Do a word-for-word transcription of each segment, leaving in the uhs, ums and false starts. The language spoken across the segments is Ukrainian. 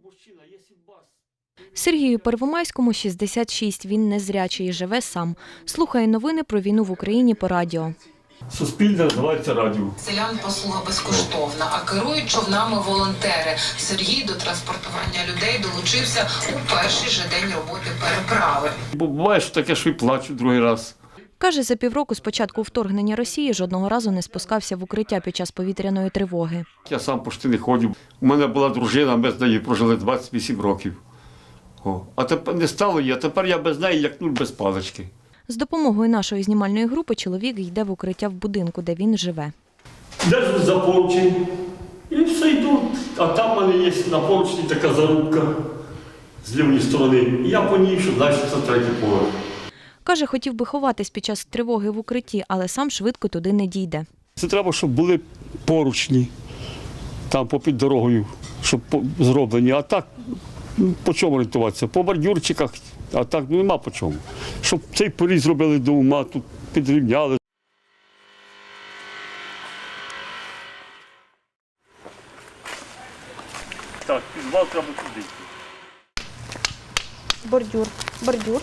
Сергію Первомайському шістдесят шість. Він незрячий і живе сам. Слухає новини про війну в Україні по радіо. Суспільне називається радіо. Селян послуга безкоштовна, а керують човнами волонтери. Сергій до транспортування людей долучився у перший же день роботи переправи. Буває, що таке, що і плачу другий раз. Каже, за півроку з початку вторгнення Росії жодного разу не спускався в укриття під час повітряної тривоги. Я сам почти не ходив. У мене була дружина, ми з нею прожили двадцять вісім років. О. А тепер не стало її, а тепер я без неї як нуль без палички. З допомогою нашої знімальної групи чоловік йде в укриття в будинку, де він живе. Держу за поручень і все йду. А там в мене є на поручні така зарубка з лівої сторони. І я по ній, що далі це третій поверх. Каже, хотів би ховатись під час тривоги в укритті, але сам швидко туди не дійде. Це треба, щоб були поручні там попід дорогою, щоб зроблені. А так, по чому орієнтуватися? По бордюрчиках, а так ну, нема по чому. Щоб цей поріз зробили до ума, тут підрівняли. Так, підвал треба туди. Бордюр, бордюр.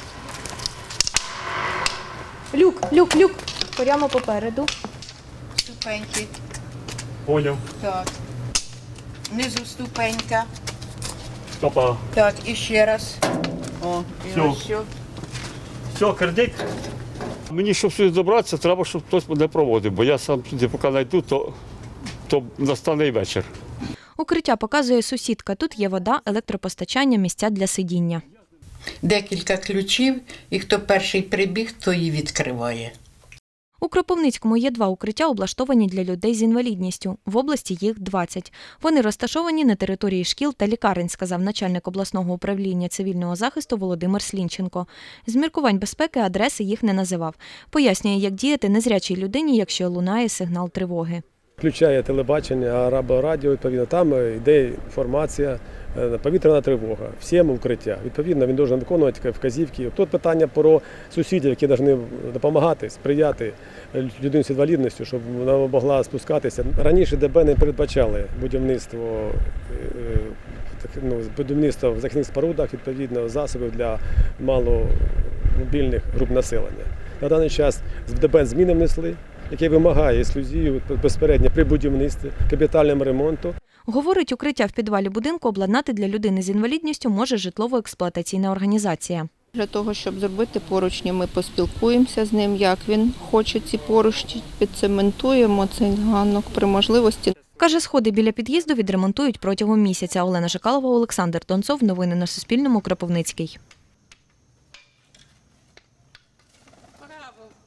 Люк, люк, люк. Прямо попереду. Ступеньки. Поняв. Так. Внизу ступенька. Стопа. Так, і ще раз. О, і Всьо. ось все. Все, кредит. Мені, щоб сюди добратися, треба, щоб хтось мене проводив, бо я сам сюди поки знайду, то, то настане і вечір. Укриття показує сусідка. Тут є вода, електропостачання, місця для сидіння. Декілька ключів, і хто перший прибіг, то її відкриває. У Кропивницькому є два укриття, облаштовані для людей з інвалідністю. В області їх двадцять. Вони розташовані на території шкіл та лікарень, сказав начальник обласного управління цивільного захисту Володимир Слінченко. З міркувань безпеки адреси їх не називав. Пояснює, як діяти незрячій людині, якщо лунає сигнал тривоги. Включає телебачення або радіо, відповідно, там йде інформація, повітряна тривога, всім укриття. Відповідно, він має виконувати вказівки. Тут питання про сусідів, які повинні допомагати, сприяти людині з інвалідністю, щоб вона могла спускатися. Раніше ДБ не передбачали будівництво, ну, будівництво в захисних спорудах, відповідно, засобів для маломобільних груп населення. На даний час в ДБ зміни внесли, який вимагає ексклюзію безпередньо при будівництві, капітальному ремонту. Говорить, укриття в підвалі будинку обладнати для людини з інвалідністю може житлово-експлуатаційна організація. Для того, щоб зробити поручні, ми поспілкуємося з ним, як він хоче ці поручні, підцементуємо цей ганок при можливості. Каже, сходи біля під'їзду відремонтують протягом місяця. Олена Жикалова, Олександр Донцов. Новини на Суспільному. Кропивницький.